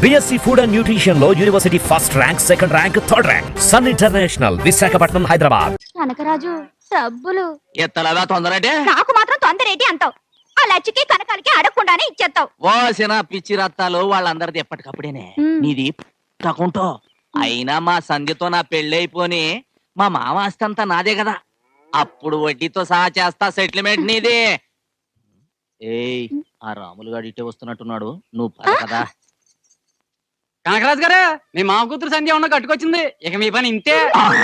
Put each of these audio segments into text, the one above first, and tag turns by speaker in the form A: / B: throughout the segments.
A: BSc food and nutrition లో university first rank, second rank, third rank. Sun international, Visakhapatnam, Hyderabad.
B: Kanakaraju డబ్బులు
C: ఎత్తలవా తొందరంటే
B: నాకు మాత్రం తొందరేటి అంటావు. ఆ లచ్చికి కనకాలకి అడగకుండానే ఇచ్చేస్తావు.
C: ఓసిన పిచ్చి రత్తాలు వాళ్ళందరిది ఎప్పటికప్పుడేనే. నీది తకుంటో అయినా మా సంధ్యతో నా పెళ్ళైపోని మా మామ ఆస్తంతా నాదే కదా. అప్పుడు వడ్డీతో సహా చేస్తా సెటిల్మెంట్ నీది. ఏయ్ ఆ రాములు గారు ఇటే వస్తున్నట్టున్నాడు, నువ్వు పద కదా.
D: కనకరాజు గారు, మీ మామ కూతురు సంధ్య ఉన్న కట్టుకొచ్చింది. ఇక మీ పని ఇంతే.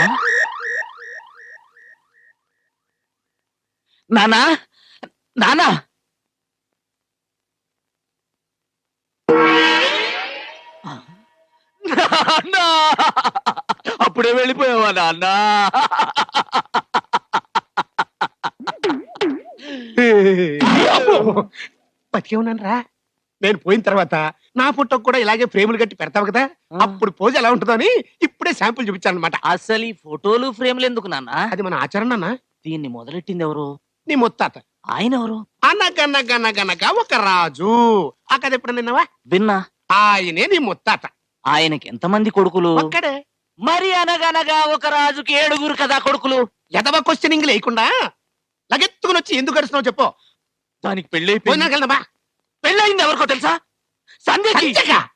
C: నానా నానా నాన్నా! అప్పుడే వెళ్ళిపోయావా నాన్న?
E: బతికే ఉన్నాను రా. నేను పోయిన తర్వాత నా ఫోటోకి కూడా ఇలాగే ఫ్రేములు కట్టి పెడతావు కదా, అప్పుడు పోజ్ ఎలా ఉంటుందో అని ఇప్పుడే శాంపుల్ చూపించాను అనమాట.
C: అసలు ఈ ఫోటోలు ఫ్రేమ్లు ఎందుకు నాన్న?
E: అది మన ఆచరణ అన్న.
C: దీన్ని మొదలెట్టింది ఎవరు?
E: నీ ముత్తాత.
C: ఆయన ఎవరు?
E: అనగనగనగనగా ఒక రాజు. ఆ కథ ఎప్పుడు నిన్నవా?
C: విన్నా.
E: ఆయనే నీ ముత్తాత.
C: ఆయనకి ఎంతమంది కొడుకులు?
E: ఒక్కడే.
C: మరి అనగనగా ఒక రాజుకి 7 కదా కొడుకులు.
E: ఎదవ క్వశ్చనింగ్ లేకుండా లగెత్తుకుని వచ్చి ఎందుకు గడుస్తున్నావు చెప్పు.
C: దానికి పెళ్ళి
E: పోయినాకెళ్దామా?
C: పెళ్ళయింది ఎవరికో తెలుసా? సంధ్యకి.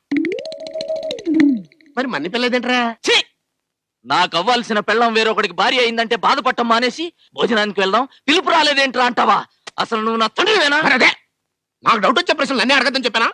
E: మరి మన్ని పిల్లదేంట్రా?
C: నాకు అవ్వాల్సిన పెళ్ళం వేరొకడికి భార్య అయిందంటే బాధపడటం మానేసి భోజనానికి వెళ్దాం, పిలుపు రాలేదేంట్రా అంటావా? అసలు నువ్వు నా తండ్రివేనా?
E: అదే నాకు డౌట్ వచ్చే ప్రశ్నలు అన్నీ అడగద్దని చెప్పానా?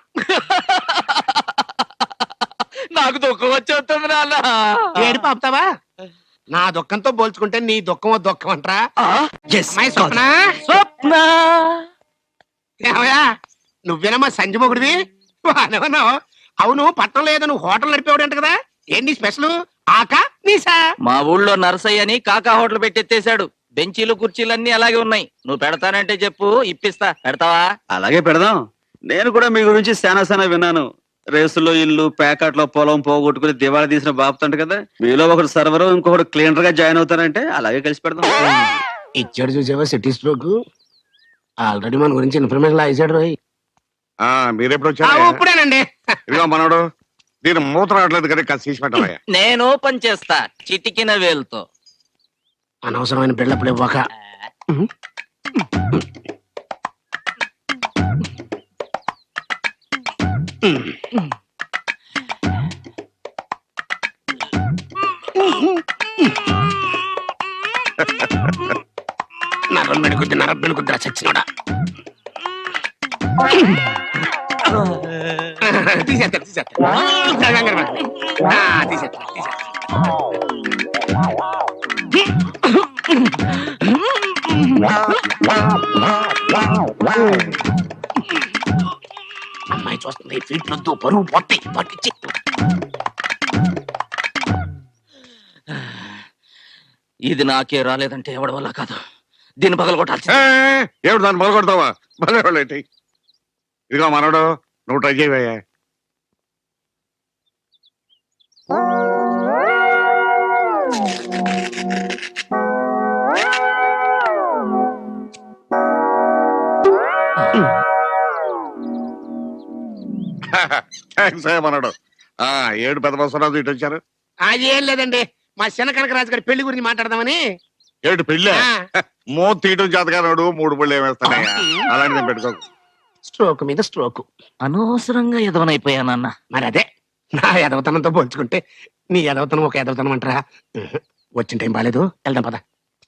C: నాకు దుఃఖం వచ్చేస్తుంది నాన్న.
E: ఏడుపు ఆపుతావా? నా దుఃఖంతో పోల్చుకుంటే నీ దుఃఖం దుఃఖం అంటరా? స్వప్న,
C: స్వప్న
E: ఏమయ్యా నువ్వేనమ్మా సంజు మొగుడివి? బానేమన్నావు. అవును, పట్నంలో ఏదో నువ్వు హోటల్ నడిపేవాడంట కదా, ఏంటి స్పెషల్? ఆకా నీసా?
C: మా ఊళ్ళో నర్సయ్య అని కాకా హోటల్ పెట్టెత్తేశాడు. బెంచీలు కుర్చీలన్నీ అలాగే ఉన్నాయి. నువ్వు పెడతానంటే చెప్పు, ఇప్పిస్తా. పెడతావా?
F: అలాగే పెడదాం. నేను కూడా మీ గురించి శానా విన్నాను. రేసులో ఇల్లు, ప్యాకెట్లో పొలం పోగొట్టుకుని దివాళా తీసిన బాపుతంట కదా. మీలో ఒకటి సర్వర్, ఇంకొకటి క్లీనర్ గా జాయిన్ అవుతారంటే అలాగే కలిసి పెడదాం.
E: ఇచ్చాడు చూసావా సిటీ స్ట్రోక్. ఆల్రెడీ మన గురించి ఇన్ఫర్మేషన్ లా ఇచ్చాడు రోయ్.
G: మీరెప్పుడు వచ్చారు?
E: ఇప్పుడేనండి.
G: ఇదిగో మనోడు, దీని మూత రావట్లేదు కదా, కాస్త తీసి పెట్టవయ్యా.
C: నేను ఓపెన్ చేస్తా చిటికిన వేలుతో.
E: అనవసరమైన బిల్డప్లు ఇవ్వక. నరం మెడుకుద్ది, నరం పెళ్ళుకుద్దిరా చచ్చినోడా. తీసేస్తా అమ్మాయి చూస్తుంది. ఫీట్ వద్దు, పరువు పొట్టి పట్టించి.
C: ఇది నాకే రాలేదంటే ఎవడి వల్ల కాదు. దీన్ని పగల కొట్టాల్సి.
G: ఏమిటి దాన్ని మొదలుకొడతావా? భలేవాళ్ళేంటి. ఇదిగో మనోడు, నువ్వు ట్రై చేయవయ్యా. థ్యాంక్స్ అయ్యా మనోడు. 7 పెద్ద బస్సు ఇటు వచ్చారు.
E: అది ఏం లేదండి, మా చిన్న కనకరాజు గారి పెళ్లి గురించి మాట్లాడదామని.
G: ఏడు పెళ్ళే? మూత తీయటం చేతగానాడు, 3 పళ్ళు ఏమేస్తానయ్యా. అలాంటిది పెట్టుకోకు.
E: స్ట్రోక్ మీద స్ట్రోక్.
C: అనవసరంగా ఎదవనైపోయానన్న.
E: మరి అదే నా ఎదవతనంతో పోల్చుకుంటే నీ ఎదవతనం ఒక ఎదవతనం అంటారా? వచ్చిన టైం బాగాలేదు, వెళ్దాం పద.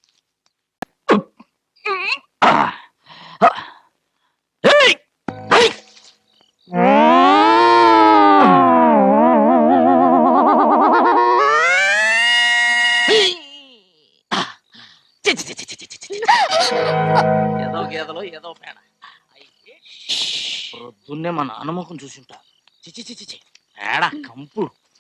C: ఏదో గేదలో ఏదో పేడ. ప్రొద్దున్నే మా నాన్నమ్మకం చూసింటా. చిచి పేడ కంపు.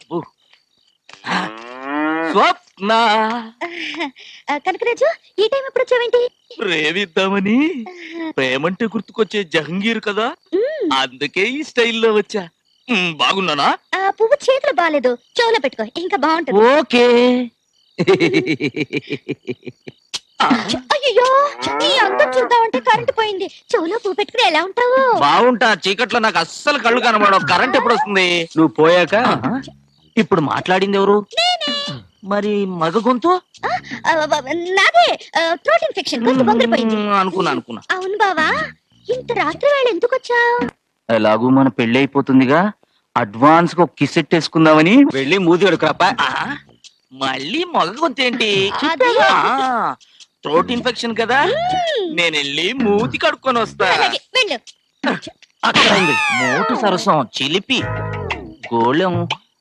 C: స్వప్న,
B: కనకరాజు ఈ టైం ఎప్పుడు వచ్చావేంటి?
C: ప్రేమిద్దామని. ప్రేమంటే గుర్తుకొచ్చే జహంగీర్ కదా, అందుకే ఈ స్టైల్లో వచ్చా. బాగున్నానా?
B: పువ్వు చేతులు బాగాలేదు, చెవులో పెట్టుకో, ఇంకా బాగుంటుంది.
C: ఓకే.
B: అయ్యో నీ అందం చూద్దామంటే కరెంట్ పోయింది. చెవులో పువ్వు పెట్టుకుని ఎలా ఉంటావు?
C: బాగుంటా, చీకట్లో నాకు అస్సలు కళ్ళు కనబడవు. కరెంట్ ఎప్పుడు వస్తుంది?
F: నువ్వు పోయాక
C: ఇప్పుడు మాట్లాడింది ఎవరు? మరి మగ గొంతు?
B: నాదే థ్రోట్ ఇన్ఫెక్షన్ కొంచెం బొంగరిపోయింది.
C: అనుకున్నా.
B: అవును బావా, ఇంత రాత్రి వేళ ఎందుకు వచ్చావు?
C: ఎలాగూ మన పెళ్లి అయిపోతుందిగా, అడ్వాన్స్ గా కిస్ వేసుకుందామని.
F: వెళ్ళి మూతి కడుక్రాప.
C: మళ్ళీ మగ గొంతు ఏంటి?
B: అది-
C: థ్రోట్ ఇన్ఫెక్షన్ కదా, నేను వెళ్ళి మూతి కడుక్కొని వస్తా.
B: అలాగే వెళ్ళు.
C: అక్కడ ఉంది మోటు సరసం, చిలిపి గోళం.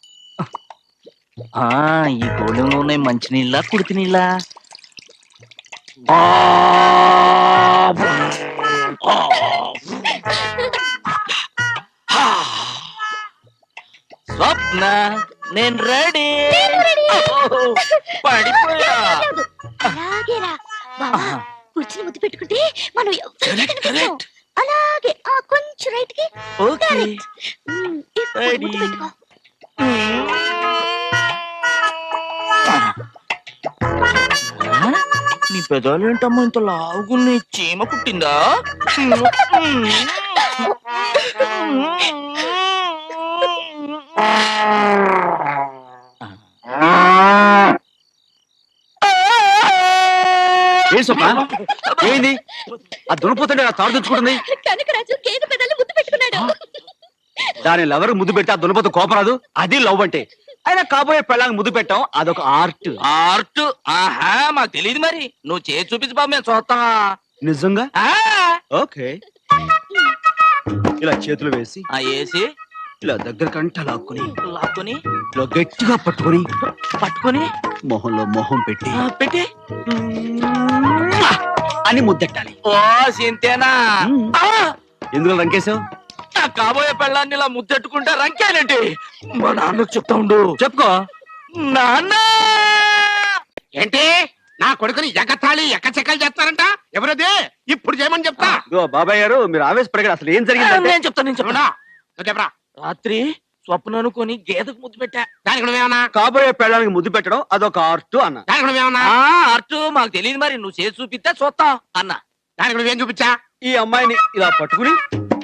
C: ఈ గోళంలో ఉన్నాయి మంచినీళ్ళ, కుడితి నీళ్ళ? స్వప్న, నేను రెడీ. పడిపోయా.
B: అలాగే రా బావా, కుర్చీని ముద్దు పెట్టుకుంటే మనం ఎవరికీ
C: Correct,
B: కనిపించం. అలాగే కొంచెం రైట్ కి.
C: ఓకే.
B: ఇప్పుడు
C: Ready.
B: ముద్దు పెట్టుకో.
C: నీ పెదాలు ఏంటమ్మా ఇంత లావుగున్నాయి? చీమ కుట్టిందా?
F: ఏ సొప్ప ఏంది? ఆ దునపోతుంటే ఆ తాడు తెచ్చుకుంటుంది.
B: కనకరాజు గేదె పెదాలు ముద్దు పెట్టుకున్నాడు.
F: దాని లవర్ ముద్దు పెట్టి ఆ దునపోతు కోపరాదు. అది లవ్ అంటే. అయినా కాబోయే పెళ్ళానికి ముద్దు పెట్టాం, అదొక ఆర్ట్.
C: ఆర్ట్? ఆహా, మాకు తెలియదు. మరి నువ్వు చేసి చూపించు బాబు, మేము చూస్తాం.
F: నిజంగా?
C: ఆ,
F: ఓకే. ఇలా చేతులు వేసి
C: వేసి
F: ఇలా దగ్గర కంట లాక్కుని
C: లాక్కొని
F: ఇలా గట్టిగా పట్టుకొని
C: పట్టుకొని
F: మొహంలో మొహం పెట్టి
C: పెట్టి
F: అని ముద్దెట్టాలి.
C: ఓ సింతేనా?
F: ఎందుకు రంకేశావు?
C: నా కాబోయే పెళ్ళాన్ని ఇలా ముద్దెట్టుకుంటే రంకేనండి. మా నాన్నకు చెప్తా ఉండు.
F: చెప్పుకో.
C: నాన్న,
E: ఏంటి నా కొడుకుని ఎగతాళి ఎక్కచెక్కలు చేస్తారంట? ఎవరది? ఇప్పుడు చేయమని చెప్తా.
F: ఇదిగో బాబాయ్ గారు, మీరు ఆవేశపడగారు. అసలు ఏం జరిగింది?
C: నేను చెప్తాను.
E: చెప్పడా? నువ్వు చెప్పరా.
C: రాత్రి స్వప్న అనుకొని గేదెకు ముద్దు పెట్టా.
E: దానికి నువ్వేమన్నా?
F: కాబోయే పెళ్ళానికి ముద్దు పెట్టడం అదొక ఆర్ట్ అన్న.
E: దానికి నువ్వేమన్నా?
C: ఆర్ట్ మాకు తెలియదు. మరి నువ్వు చేసి చూపిస్తే చూస్తాం అన్న.
E: దానికి నువ్వేం చూపించా?
F: ఈ అమ్మాయిని ఇలా పట్టుకుని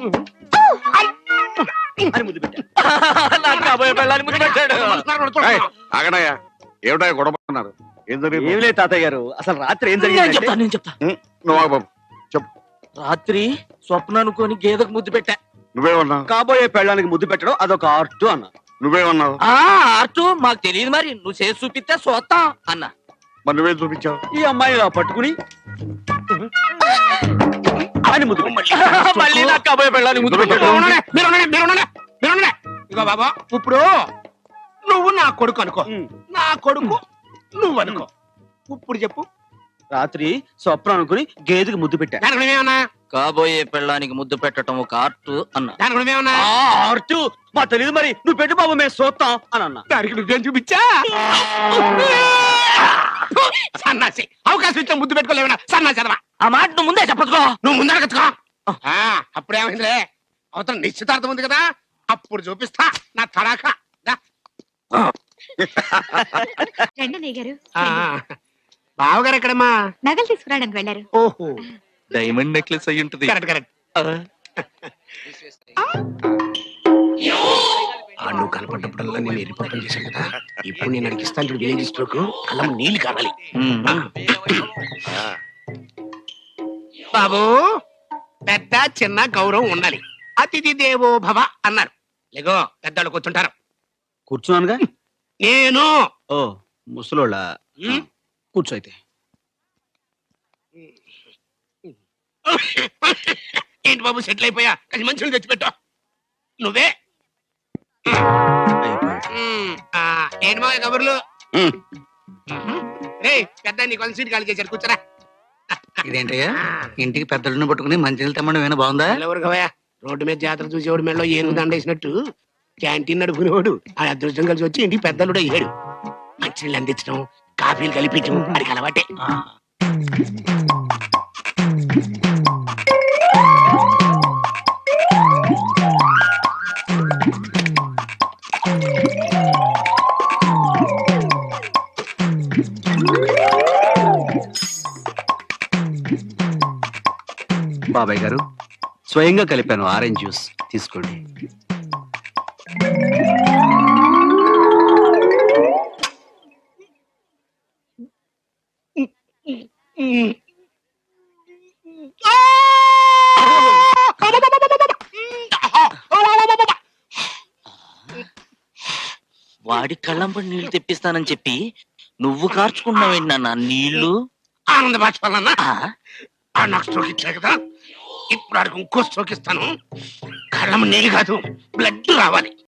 F: అని ముద్దు పెట్టా.
C: నాకు కాబోయే పెళ్ళాన్ని ముద్దు పెట్టాడు.
G: ఆగడాయా, ఏమిటా గొడవ పడుతున్నారు? ఏం జరిగింది?
F: ఏం లేదు తాతయ్య గారు, అసలు రాత్రి ఏం
C: నేను
F: జరిగింది?
C: చెప్తా, నేను చెప్తా.
G: నువ్వు ఆగు బాబు, చెప్పు.
C: రాత్రి స్వప్న అనుకొని గేదెకు ముద్దు పెట్టా.
G: నువ్వేమన్నావు?
F: కాబోయే పెళ్ళానికి ముద్దు పెట్టడం అదొక ఆర్ట్ అన్న.
G: నువ్వేమన్నావు?
C: ఆర్ట్ మాకు తెలియదు. మరి నువ్వు చేసి చూపిస్తే చూస్తాం అన్న.
G: మరి నువ్వేం చూపించావు?
F: ఈ అమ్మాయిని ఇలా పట్టుకుని అని ముద్దు పెట్టా.
C: మళ్ళీ నాకు కాబోయే పెళ్ళాన్ని ముద్దు పెట్టాడు.
E: ఇగో బాబా, ఇప్పుడు నువ్వు నా కొడుకు అనుకో,
F: ఉమ్.
E: నా కొడుకు నువ్వు అనుకో. ఇప్పుడు చెప్పు.
F: రాత్రి స్వప్న అనుకుని గేదెకి ముద్దు పెట్టా.
E: దానికి నువ్వేమన్నా?
C: కాబోయే పెళ్ళానికి ముద్దు పెట్టడం ఒక ఆర్ట్ అన్న.
E: దానికి నువ్వేమన్నా?
F: ఆర్ట్ మా తెలియదు. మరి నువ్వు పెట్టు బాబు, మేము చూస్తాం అని అన్నా.
E: దానికి నువ్వేం చూపించా? సన్నాసి, అవకాశం ఇచ్చా ముద్దు పెట్టుకోలేవనా? సన్నాసి అదవా.
C: ఆ మాట నువ్వు ముందే చెప్పచ్చుకో.
E: నువ్వు ముందర కచ్చుకో. అప్పుడేమైందిలే, అవతల నిశ్చితార్థం ఉంది కదా, అప్పుడు చూపిస్తా నా తడాకా. దా.
B: రండి అన్నయ్య గారు.
E: ఆ, బావగారు ఎక్కడమ్మా?
B: నగలు తీసుకురావడానికి వెళ్ళారు.
E: ఓహో,
C: డైమండ్ నెక్లెస్ అయి ఉంటది.
E: Correct correct. నువ్వు కనపడ్డప్పుడల్లా నేను ఎరిపోవడం చేశాను కదా, ఇప్పుడు నేను అడిగిస్తాను చూడు విలేజ్ స్ట్రోక్, అలా నీళ్లు కావాలి. బాబు, పెద్ద చిన్న గౌరవం ఉండాలి. అతిథి దేవో భవ అన్నారు. లేగో పెద్దవాళ్ళు కూర్చుంటారు.
F: కూర్చున్నానుగా.
E: నేను
F: ఓ ముసలోళ్ళ.
E: ఉమ్.
F: కూర్చో అయితే.
E: ఏంటి బాబు, సెటిల్ అయిపోయా? అది మంచిగా తెచ్చిపెట్టు. నువ్వే
F: అయిపోయాడు.
E: ఏంటి బాబు కబుర్లు?
G: ఉమ్.
E: రే పెద్ద నీకు వన్ సీట్ ఖాళీ చేశారు, కూర్చోరా.
D: ఇదేంటయ్యా, ఇంటికి పెద్దలను పట్టుకుని మంచినీళ్ళు తెమ్మడం ఏమైనా బాగుందా?
E: ఎవరు కవయా, రోడ్డు మీద జాతర చూసేవాడు మెడలో ఏనుగు దండేసినట్టు క్యాంటీన్ నడుపునేవాడు ఆ అదృష్టం కలిసి వచ్చి ఇంటికి పెద్దలుడు అయ్యాడు. మంచినీళ్ళు అందించడం, కాఫీలు కలిపించడం అడిగి అలవాటే.
H: బాబాయ్ గారు స్వయంగా కలిపాను ఆరెంజ్ జ్యూస్ తీసుకోండి.
C: వాడి కళ్ళంపడి నీళ్లు తెప్పిస్తానని చెప్పి నువ్వు కార్చుకుంటున్నావేంటి నాన్న నీళ్లు?
E: ఆనంద బాష్పాలన్నా
C: ఆ,
E: నాకు స్ట్రోక్ ఇచ్చా కదా, ఇప్పుడు ఆడికి ఇంకో స్ట్రోక్ ఇస్తాను. కళ్ళం నీళ్ళు కాదు, బ్లడ్ రావాలి.